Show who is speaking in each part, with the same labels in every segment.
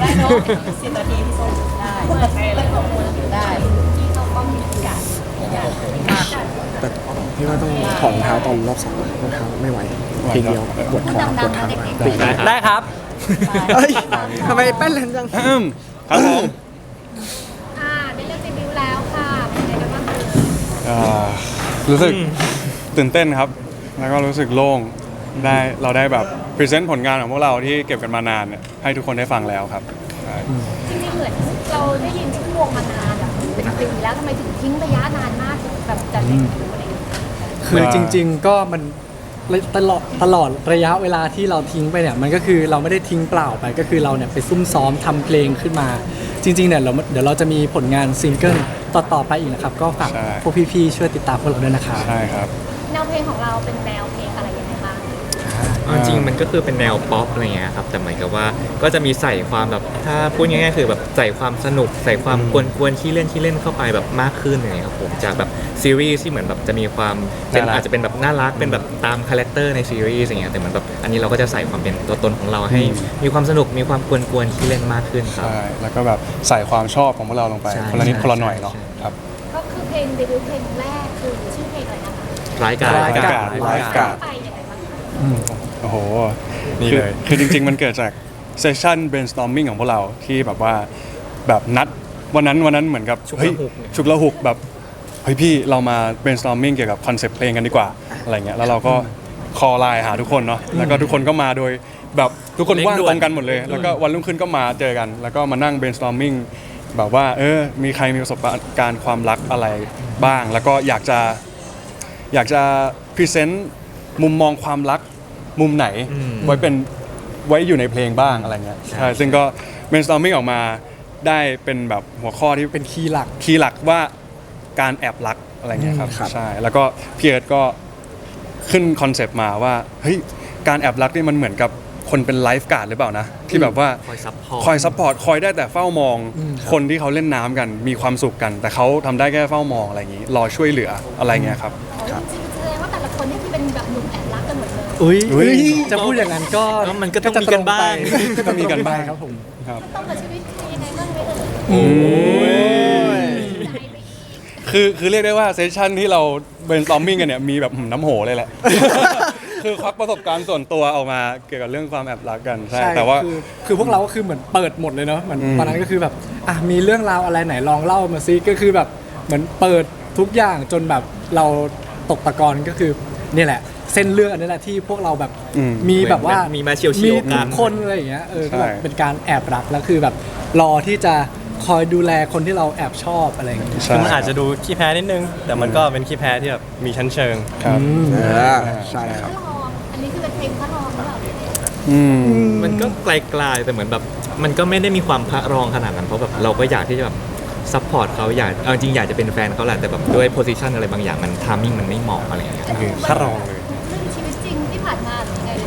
Speaker 1: เนาะ10 นาทีพี่ส้มได้เปิดไปเลยของคุณได้ที่เขาก็มีโอกาส
Speaker 2: แต่พี่ว่าต้องถอดรองเท้าตอนรอบ2รองเท้าไม่ไหวทีเดียวปวดท้องปวดเท้า
Speaker 3: ได้ครับ
Speaker 2: เอ้ยทำไมแป้นแรงจัง
Speaker 4: ครับผม
Speaker 1: ได้เลือกเดบิวต์แล้วค่ะเป็นไงกันบ้างคะ
Speaker 4: รู้สึกตื่นเต้นครับ แล้วก็รู้สึกโล่งเราได้แบบพรีเซนต์ผลงานของพวกเราที่เก็บกันมานานเนี่ยให้ทุกคนได้ฟังแล้วครับใช่
Speaker 1: จริงๆเหมือนเราได้ยินชื่อวงมานานแบบเป็นปีแล้วทำไมถึงทิ้งระยะนานมากแบบจัดเดบิวต์อะไรอย่างเงี้ย
Speaker 3: คือจริงๆก็มันตลอดระยะเวลาที่เราทิ้งไปเนี่ยมันก็คือเราไม่ได้ทิ้งเปล่าไปก็คือเราเนี่ยไปซุ่มซ้อมทำเพลงขึ้นมา จริงๆเนี่ยเดี๋ยวเราจะมีผลงานซิงเกิลต่อๆไปอีกนะครับก็ฝากพวกพี่ๆช่วยติดตามพวกเราด้วยนะครับ
Speaker 4: ใช่ครับ
Speaker 1: แนวเพลงของเราเป็นแนวเพลงอะไรยังไงบ้าง
Speaker 5: จริงๆมันก็คือเป็นแนวป๊อปอะไรเงี้ยครับแต่เหมือนกับว่าก็จะมีใส่ความแบบถ้าพูดง่ายๆคือแบบใส่ความสนุกใส่ความกวนๆขี้เล่นเข้าไปแบบมากขึ้นอย่างเงี้ยครับผมจากแบบซีรีส์ที่เหมือนแบบจะมีความเป็นอาจจะเป็นแบบน่ารักเป็นแบบตามคาแรคเตอร์ในซีรีส์อย่างเงี้ยแต่เหมือนแบบอันนี้เราก็จะใส่ความเป็นตัวตนของเราให้มีความสนุกมีความกวนๆขี้เล่นมากขึ้นครับ
Speaker 4: ใช่แล้วก็แบบใส่ความชอบของพวกเราลงไป
Speaker 5: ใช่
Speaker 4: คนละนิด
Speaker 5: ใช่
Speaker 4: คนละหน่อยเนาะ
Speaker 5: ใช่
Speaker 4: ครับ
Speaker 1: ก็คือเพลงเดบิวต์เพลงแรกคือชื่อเพลงอะไรนะคะ
Speaker 5: รายการ
Speaker 3: รายการ
Speaker 4: ไลฟ์การ์ด
Speaker 1: ไปยังไงบ้างคะ
Speaker 4: โอ้โห
Speaker 3: นี่เลย
Speaker 4: คือจริงๆ มันเกิดจากเซสชั่น brainstorming ของพวกเราที่แบบว่าแบบนัดวันนั้นเหมือนกับเฮ้ยฉุกละหุกแบบเฮ้ยพี่เรามา brainstorming เกี่ยวกับคอนเซปต์เพลงกันดีกว่าอะไรเงี้ยแล้วเราก็คอไลน์หาทุกคนเนาะแล้วก็ทุกคนก็มาโดยแบบทุกคนว่างตรงกันหมดเลย แล้วก็วันรุ่งขึ้นก็มาเจอกัน แล้วก็มานั่ง brainstorming แบบว่ามีใครมีประสบการณ์ความรักอะไรบ้าง แล้วก็อยากจะพรีเซนต์มุมมองความรักมุมไหนไว้อยู่ในเพลงบ้างอะไรเงี้ยใช่ซึ่งก็ brainstorming ออกมาได้เป็นแบบหัวข้อที่
Speaker 3: เป็นคีย์หลัก
Speaker 4: คีย์หลักว่าการแอบรักอะไรเงี้ยครับ
Speaker 2: ครับ
Speaker 4: ใช่แล้วก็พี่เอิร์ธก็ขึ้นคอนเซปต์มาว่าเฮ้ยการแอบรักนี่มันเหมือนกับคนเป็นไลฟ์การ์ดหรือเปล่านะที่แบบว่า
Speaker 5: คอยซัพพอร์ต
Speaker 4: คอยซัพพอร์ตคอยได้แต่เฝ้ามองคนที่เขาเล่นน้ำกันมีความสุขกัน แต่เขาทำได้แค่เฝ้ามองอะไรอย่างนี้รอช่วยเหลืออะไรเงี้ยครับ
Speaker 1: จริงๆแสดงว่าแต่ละคนนี่คือเป็นแบบหนุ่มแอบรักกันหมดเลย
Speaker 3: อุ้ย
Speaker 4: อุ๊ย
Speaker 3: จะพูดอย่างนั้นก็
Speaker 5: มันก็ต้องมีกันบ้าง
Speaker 4: ก็มีกันบ้าง
Speaker 3: ครับผม
Speaker 4: ครับ
Speaker 1: ต้องกับชีวิตคือยังไงบ้างไหมเอ่ยใจไปอีก
Speaker 4: คือเรียกได้ว่าเซสชั่นที่เรา brainstorming กันเนี่ยมีแบบน้ำโหเลยแหละ คือควักประสบการณ์ส่วนตัวออกมาเกี่ยวกับเรื่องความแอบรักกันใช่แต่ว่า
Speaker 3: คือพวกเราก็คือเหมือนเปิดหมดเลยเนาะเหมือนตอนนั้นก็คือแบบมีเรื่องราวอะไรไหนลองเล่ามาซิก็คือแบบเหมือนเปิดทุกอย่างจนแบบเราตกตะกอนก็คือนี่แหละ เส้นเรื่องอันนี้แหละที่พวกเราแบบ มีแบบว่า
Speaker 5: มีมาเฉียวๆ
Speaker 3: มี
Speaker 5: กัน
Speaker 3: ทุกคนอะไรอย่างเงี้ยก็แบบ
Speaker 4: ใช่
Speaker 3: เป็นการแอบรักแล้วคือแบบรอที่จะคอยดูแลคนที่เราแอบชอบอะไรอย่างเงี้ย
Speaker 4: ใช่
Speaker 6: มันอาจจะดูขี้แพ้นิดนึง แต่มันก็เป็นขี้แพ้ที่แบบมีชั้นเชิง
Speaker 4: ครับ
Speaker 2: ใช่ครับ
Speaker 1: พระรองอันนี้คือเป็นเพลงพระรองหรือเปล่าเนี่ย
Speaker 5: มันก็ไกลๆแต่เหมือนแบบมันก็ไม่ได้มีความพระรองขนาดนั้นเพราะแบบเราก็อยากที่จะแบบซัพพอร์ตเขาเอาจริงอยากจะเป็นแฟนเขาแหละแต่แบบด้วยโพสิชันอะไรบางอย่างมันทามมิ่งมันไม่เหมาะอะไรอย่างเงี้ย
Speaker 6: คือพระรองเลย
Speaker 1: เรื่องชีวิตจริงที่ผ่านมาหรือยังไง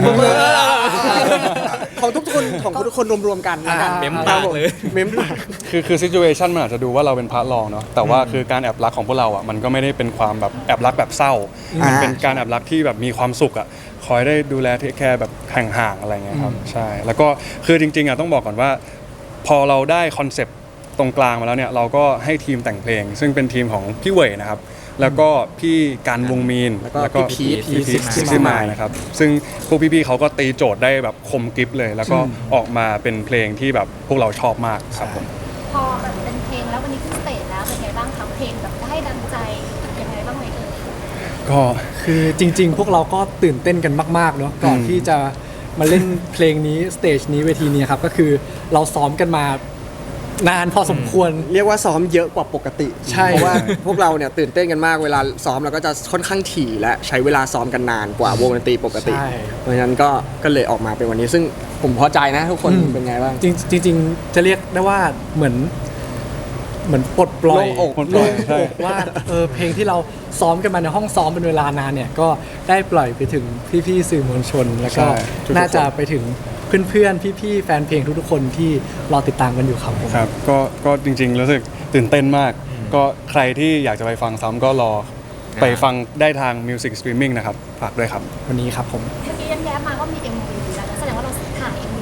Speaker 2: ของทุกคนรวมๆกันนะครับ
Speaker 5: เม้มปากเลย
Speaker 2: เม้มปาก
Speaker 4: คือซิจูเอชันมันอาจจะดูว่าเราเป็นพระรองเนาะแต่ว่าคือการแอบรักของพวกเราอ่ะมันก็ไม่ได้เป็นความแบบแอบรักแบบเศร้า มันเป็นการแอบรักที่แบบมีความสุขอ่ะคอยได้ดูแลเทคแคร์แบบห่างๆอะไรเงี้ยครับใช่แล้วก็คือจริงๆอ่ะต้องบอกก่อนว่า พอเราได้คอนเซปต์ตรงกลางมาแล้วเนี่ยเราก็ให้ทีมแต่งเพลง ซึ่งเป็นทีมของพี่เว่ยนะครับแล้วก็พี่การวงมีน
Speaker 2: แล้วก็พี่พีท
Speaker 4: ซิกซี่มายนะครับซึ่งพวกพี่ๆเขาก็ตีโจทย์ได้แบบคมกริบเลย แล้วก็ออกมาเป็นเพลงที่แบบพวกเราชอบมากครับผม
Speaker 1: พอแบบเป็นเพลงแล้ววันนี้ขึ้นสเตจแล้วเป็นไงบ้างคะเพลงแบบได้ดังใจยังไงบ้างไหมเอ่ย
Speaker 4: ก็
Speaker 3: คือจริงๆ พวกเราก็ตื่นเต้นกันมากๆเนาะก่อนที่จะมาเล่นเพลงนี้สเตจนี้เวทีนี้ครับก็คือเราซ้อมกันมานานพอสมควร
Speaker 2: เรียกว่าซ้อมเยอะกว่าปกติ
Speaker 3: ใช่
Speaker 2: เพราะว่าพวกเราเนี่ยตื่นเต้นกันมากเวลาซ้อมเราก็จะค่อนข้างถี่และใช้เวลาซ้อมกันนานกว่าวงดนตรีปกติ
Speaker 3: ใช่
Speaker 2: เพราะฉะนั้นก็เลยออกมาเป็นวันนี้ ซึ่งผมพอใจนะทุกคนเป็นไงบ้าง
Speaker 3: จริงๆจะเรียกได้ว่าเหมือนปลดปล่อย
Speaker 2: โล่งอก
Speaker 3: โล่งอกว่าเพลงที่เราซ้อมกันมาในห้องซ้อมเป็นเวลานานเนี่ยก็ได้ปล่อยไปถึงพี่ๆสื่อมวลชน แล้วก็
Speaker 4: ใช่ทุกๆ
Speaker 3: น่าจะไปถึงเพื่อนๆพี่ๆแฟนเพลงทุกๆคนที่รอติดตามกันอยู่ครับผม
Speaker 4: ครับก็จริงๆรู้สึกตื่นเต้นมาก ก็ใครที่อยากจะไปฟังซ้ำก็รอไปฟังได้ทาง Music Streaming นะครับฝากด้วยครับ
Speaker 3: วันนี้ครับผม
Speaker 1: เมื่อกี้แย้มๆมาก็มี MV แล้วนะแสดงว่าเราถ่าย MV กันไปเรียบ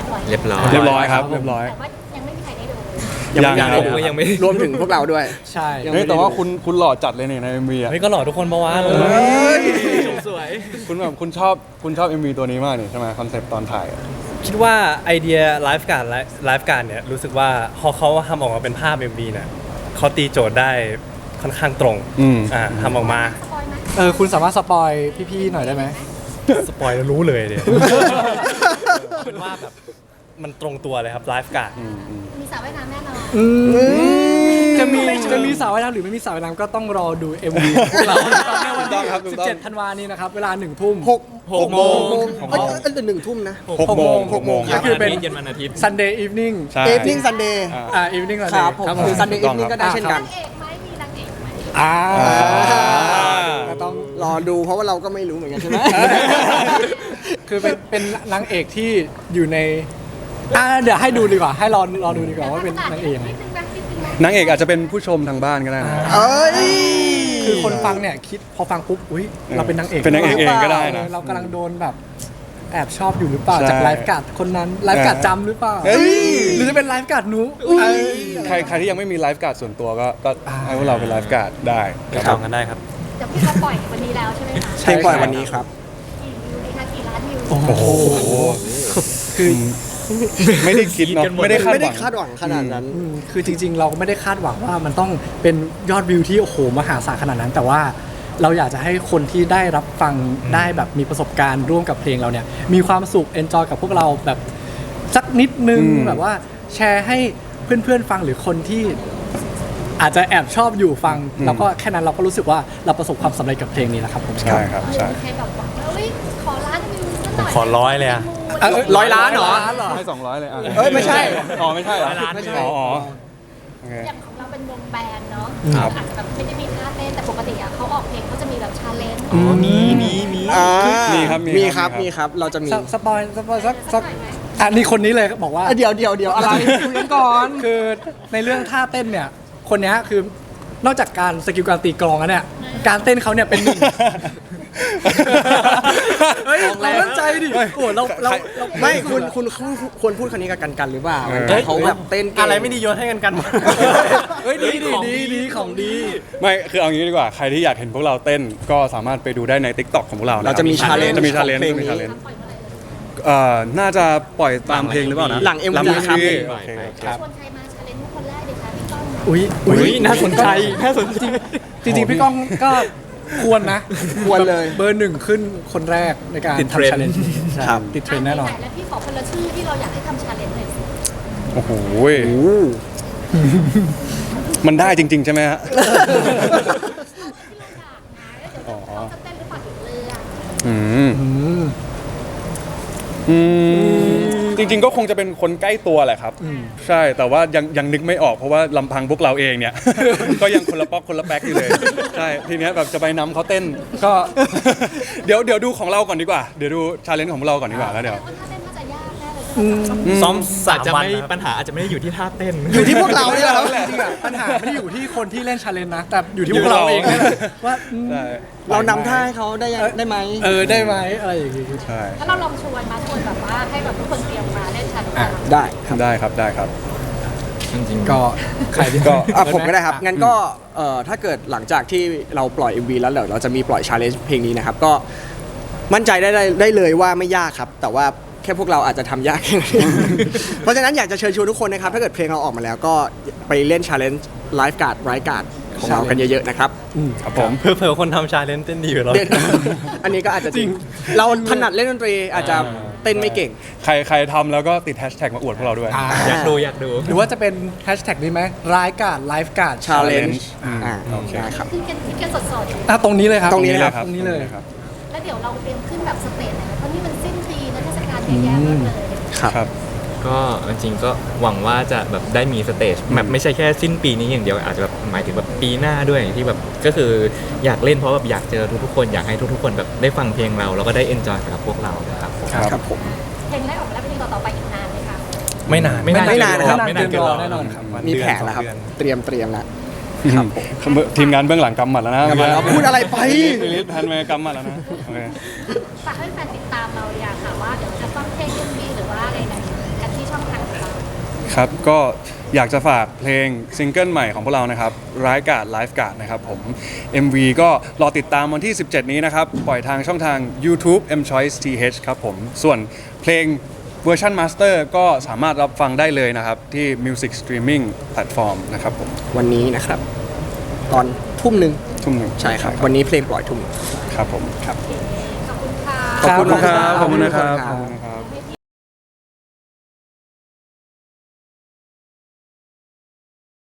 Speaker 1: ปล่อย
Speaker 5: เรียบร้อย
Speaker 4: เรียบร้อยครับเรียบร้อย
Speaker 1: แต่ว่ายังไม่มีใครได้ดู
Speaker 4: ยัง
Speaker 5: ผมก็ยังไม่
Speaker 6: รวมถึงพวกเราด้วย
Speaker 3: ใช่
Speaker 2: ยัง
Speaker 4: เฮ้ยแต่ว่าคุณหล่อจัดเลยเนี่ยใน MV อ่ะ
Speaker 6: เฮ้ยก็หล่อทุกคนปะวะ
Speaker 5: สวย
Speaker 4: คุณชอบ MV ตัวนี้มากนี่ใช่ไหมคอนเซ็ปต์ตอนถ่ายอะ
Speaker 6: คิดว่าไอเดียไลฟ์การ์ดเนี่ยรู้สึกว่าพอเขาทำออกมาเป็นภาพ MV เนี่ยเขาตีโจทย์ได้ค่อนข้างตรงทำออกมา
Speaker 1: สปอยไหม
Speaker 3: คุณสามารถสปอยพี่ๆหน่อยได้ไหม
Speaker 6: สปอยแล้วรู้เลยเนี่ยเป็นว่าแบบมันตรงตัวเลยครับไลฟ์การ์ด
Speaker 1: มีสระว่ายน้ำแน่นอน
Speaker 3: จะมีสาวว่ายน้ำหรือไม่มีสาวว่ายน้ำก็ต้องรอดู MV พวกเรานะครับในวันที่17 ธันวาคมนี้นะครับเวลา 1 ทุ่ม
Speaker 2: 6 โมง1 ทุ่มนะ
Speaker 3: 6 โมง
Speaker 4: 6 โมงค
Speaker 3: ก็
Speaker 4: รับ
Speaker 3: คือเป็น
Speaker 5: เย็นวันอาทิตย์
Speaker 3: Sunday Evening
Speaker 4: ใช่
Speaker 2: Evening Sunday
Speaker 3: Evening
Speaker 2: ครับผม
Speaker 3: Sunday
Speaker 2: คือ Sunday Evening ก็ได้เช่นกัน
Speaker 1: นางเอกไหมมีนางเอกไหม
Speaker 3: ก็ต้อง
Speaker 2: รอดูเพราะว่าเราก็ไม่รู้เหมือนกันใช่ไหม
Speaker 3: คือเป็นนางเอกที่อยู่ในเดี๋ยวให้ดูดีกว่าให้รอดูดีกว่าว่าเป็นนางเอกยังไง
Speaker 1: นิดนึงนะนิดนึงนะ
Speaker 4: นางเอกอาจจะเป็นผู้ชมทางบ้านก็ได้นะ
Speaker 2: เอ้ย
Speaker 3: คือคนฟังเนี่ยคิดพอฟังปุ๊บอุ้ยเราเป็นนางเอก
Speaker 4: เป็นนางเอกเองก็ได้นะ
Speaker 3: เรากำลังโดนแบบแอบชอบอยู่หรือเปล่าจากไลฟ์การ์ดคนนั้นไลฟ์การ์ดจำหรือเปล่า
Speaker 4: เฮ้ย
Speaker 3: หรือจะเป็นไลฟ์การ์ดหนู
Speaker 4: ใครที่ยังไม่มีไลฟ์การ์ดส่วนตัวก็ให้พวกเราเป็นไลฟ์การ์ดได้
Speaker 6: ไป
Speaker 4: ค
Speaker 6: จ
Speaker 4: รั
Speaker 6: อบ งกันได้ครับ
Speaker 1: เดี๋ยวพี่เขาปล่อยวันนี้แล้วใช่ไหมคะ
Speaker 2: เพลงปล่อยวันนี้ครับ
Speaker 1: กี่วิวดีคะกี่ล้านวิว
Speaker 3: โอ้โห คือ
Speaker 4: ไม่ได้คิดเนาะไม่ได้คาด
Speaker 2: ไม่
Speaker 4: ห
Speaker 2: ได้
Speaker 4: วัง
Speaker 2: คาดหวังขนาดนั้น
Speaker 3: คือจริงๆ เราก็ไม่ได้คาดหวังว่ามันต้องเป็นยอดวิวที่โอ้โหมหาศาลขนาดนั้น แต่ว่าเราอยากจะให้คนที่ได้รับฟังได้แบบมีประสบการณ์ร่วมกับเพลงเราเนี่ยมีความสุขเอนจอยกับพวกเราแบบสักนิดนึงแบบว่าแชร์ให้เพื่อนๆฟังหรือคนที่อาจจะแอบชอบอยู่ฟังแล้วก็แค่นั้นเราก็รู้สึกว่าเราประสบความสำเร็จกับเพลงนี้แล้วครับผม
Speaker 4: ใช่ครับใช่
Speaker 1: มีใครแบบบอกว่าเฮ้ยขอล้านวิวสักหน่อย
Speaker 6: ขอ100เลยอะ
Speaker 2: 100 ล้านเหรอ
Speaker 4: ให้200เลยอ่ะ
Speaker 2: เอ้ยไม่ใช่
Speaker 4: อ๋อไม่ใช่เหรอ
Speaker 2: ไม่ใช่
Speaker 4: อ๋อโอเค
Speaker 1: อย่างของเราเป็นวงแบนด์เนาะ
Speaker 4: ครับ
Speaker 1: อาจจะแบบไม่ได้มีท่าเต้นแต่ปกติอะเขาออกเพลงเขาจะมีแบบชาเลนจ์
Speaker 6: มี
Speaker 4: มีครับ
Speaker 2: มีครับ เราจะมี
Speaker 3: สปอยสักนี่คนนี้เลยบอกว่า
Speaker 2: เดี๋ยวอะไรคุยกันก่อน
Speaker 3: คือในเรื่องท่าเต้นเนี่ย คนเนี้ยคือนอกจากการสกิลการตีกลองแล้วเนี่ย การเต้นเขาเนี่ยเป็นหนึ่ง เฮ้ยเรามั่นใจดิ โอ้เรา
Speaker 2: ไม่คุณควรพูดคำนี้กับกันหรือเปล่า
Speaker 4: เฮ้ย
Speaker 2: เขาแบบเต้นเก่ง
Speaker 6: อะไรไม่ดีโยนให้กันหมด
Speaker 3: เฮ้ยดีของดี
Speaker 4: ไม่คือเอางี้ดีกว่าใครที่อยากเห็นพวกเราเต้นก็สามารถไปดูได้ใน TikTok ของพวกเรา
Speaker 2: เราจะมี challenge
Speaker 4: จะมีชาเลนจ์
Speaker 2: ของเพลง
Speaker 4: มี
Speaker 2: นี้
Speaker 4: ชาเลนจ์
Speaker 1: ปล่อยเมื่อไหร่เลย
Speaker 4: น่าจะปล่อยตามเพลงหรือเปล่านะ
Speaker 2: หลัง MV ครับ
Speaker 4: โอเค
Speaker 3: ครับ
Speaker 1: ชวนใครมาชาเลนจ์คนแรกดีคะพี่ก้อง
Speaker 3: อุ้ยน่าสนใจจริงๆพี่ก้องก็ควรนะ
Speaker 2: ควรเลย
Speaker 3: เบอร์หนึ่งขึ้นคนแรกในการ
Speaker 5: ติดเทรนด์
Speaker 3: ทำชาเลนจ์
Speaker 2: ครับ
Speaker 3: ติดเทรนด์แน่นอน
Speaker 1: แล้วพี่ขอคนละชื่อที่เราอยากให้ทำชาเลนจ์หน่อยสิ
Speaker 4: โอ้โหมันได้จริง ๆ ใช่ไหมฮะ
Speaker 1: ที่เราอยากนะแล้วเดี๋ยวเขาจะเต้นหรือเปล่าถึงเรือ
Speaker 4: จริง ๆ ก็คงจะเป็นคนใกล้ตัวแหละครับ ใช่แต่ว่ายังนึกไม่ออกเพราะว่าลำพังพวกเราเองเนี่ย ก็ยังคนละป๊อกคนละแป๊กอยู่เลยใช่ทีเนี้ยแบบจะไปนำเขาเต้นก็ เดี๋ยวดูของเราก่อนดีกว่าเดี๋ยวดูชาเลนจ์ของเราก่อนดีกว่าแล้วเดี๋ยว
Speaker 1: ว่าถ้าเต้นน่าจะยากแน่เลย
Speaker 6: ซ้อม
Speaker 5: อาจจะ
Speaker 6: 3 วัน
Speaker 5: ไม่
Speaker 6: นะครับ
Speaker 5: ปัญหาอาจจะไม่ได้อยู่ที่ท่าเต้น
Speaker 2: อยู่ที่พวกเราเนี่ยแหละ
Speaker 3: จริงๆอะปัญหาไม่ได้อยู่ที่คนที่เล่นชาเลนจ์นะ แต่อยู่ที่พวกเราเองนี่แหละว่า
Speaker 4: ใช่
Speaker 2: เรานำท่าให้เขาได้ไหม
Speaker 3: ได้ไหมอะไรอย่างงี้
Speaker 4: ใช่
Speaker 1: ถ้าเราลองชวนแบบว่าให้แบบทุกคนเตรียมมาเล่นชาเลนจ์กัน
Speaker 2: ได้
Speaker 4: ได้ครับได้ครับ
Speaker 5: จริงๆ
Speaker 3: ก็ใครที่
Speaker 4: ก็
Speaker 2: ผมก็ได้ครับ งั้นก็ถ้าเกิดหลังจากที่เราปล่อย MV แล้วเดี๋ยวเราจะมีปล่อยชาเลนจ์เพลงนี้นะครับ ก็มั่นใจได้เลยว่าไม่ยากครับ แต่ว่าแค่พวกเราอาจจะทำยากแค่นั้นเอง เพราะฉะนั้นอยากจะเชิญชวนทุกคนนะครับ ถ้าเกิดเพลงเราออกมาแล้วก็ไปเล่นชาเลนจ์ไลฟ์การ์ดไรการ์ดของเรากันเยอะๆนะครับ
Speaker 4: ครับผม
Speaker 6: เผื่อๆคนทำชาเลนจ์เต้นดีอยู่แล้ว
Speaker 2: เด่น อันนี้ก็อาจจะจริง เราถนัดเล่นดนตรีอาจจะเต้นไม่เก่ง
Speaker 4: ใครทำแล้วก็ติดแฮชแท็กมาอวดพวกเราด้วย
Speaker 5: อยากดู
Speaker 3: หรือว่าจะเป็นแฮชแท็กนี้ไหมรายการไลฟ์การ์ด
Speaker 2: challenge
Speaker 4: โอเค
Speaker 2: ได้ครับ
Speaker 1: ขึ้นกันสด
Speaker 3: ตรงนี้เลยครับ
Speaker 2: ตรงนี้เลยครับ
Speaker 3: ตรงนี้เลย
Speaker 4: ครับ
Speaker 1: ๆแล้วเดี๋ยวเราเตรียมขึ้นแบบสเตจไหนเพราะนี่มันสิ้นปีนะเทศกาลเยอะแยะมากเลย
Speaker 4: ครับ
Speaker 5: ก็จริงๆก็หวังว่าจะแบบได้มีสเตจแบบไม่ใช่แค่สิ้นปีนี้อย่างเดียวอาจจะแบบหมายถึงแบบปีหน้าด้วยที่แบบก็คืออยากเล่นเพราะแบบอยากเจอทุกๆคนอยากให้ทุกๆคนแบบได้ฟังเพลงเราแล้วก็ได้เอนจอยกับพวกเรานะครับผม
Speaker 2: ครับผม
Speaker 1: เพลงแรกออกมาแล้วเพลงต่อๆไปอีกนานเลยค่ะ
Speaker 6: ไม่นาน
Speaker 2: ไม่นานนะครับ
Speaker 3: ไม่นานเกินรอแน่นอนครับ
Speaker 2: มีแผนแล้วครับ เตรียมแล้ว
Speaker 4: ทีมงานเบื้องหลังกำหมัดแล้วนะ
Speaker 2: เราพูดอะไรไป
Speaker 4: ลิสแพนเมย์กำหมัดแล้วนะโอเค
Speaker 1: ฝากให้แฟนติดตามเราอยากค่ะว่าเดี๋ยวจะฟังเพลงยังมีหรือว่าอะไรกัน
Speaker 4: ครับก็อยากจะฝากเพลงซิงเกิลใหม่ของพวกเรานะครับร้ายกาดไลฟ์การ์ดนะครับผม MV ก็รอติดตามวันที่ 17 นี้นะครับ ปล่อยทางช่องทาง YouTube M Choice TH ครับผม ส่วนเพลงเวอร์ชันมาสเตอร์ก็สามารถรับฟังได้เลยนะครับ ที่ Music Streaming Platform นะครับผม
Speaker 2: วันนี้นะครับ ตอนทุ่มหนึ่ง
Speaker 4: ทุ่มหนึ่ง
Speaker 2: ใช่ครับ วันนี้เพลงปล่อยทุ่ม
Speaker 4: ครับผม
Speaker 2: ครับ
Speaker 1: ขอบคุณค่ะ
Speaker 2: ขอบคุณ
Speaker 4: ขอบคุณครับ
Speaker 2: ขอบคุณนะครับ
Speaker 4: ขอบคุณ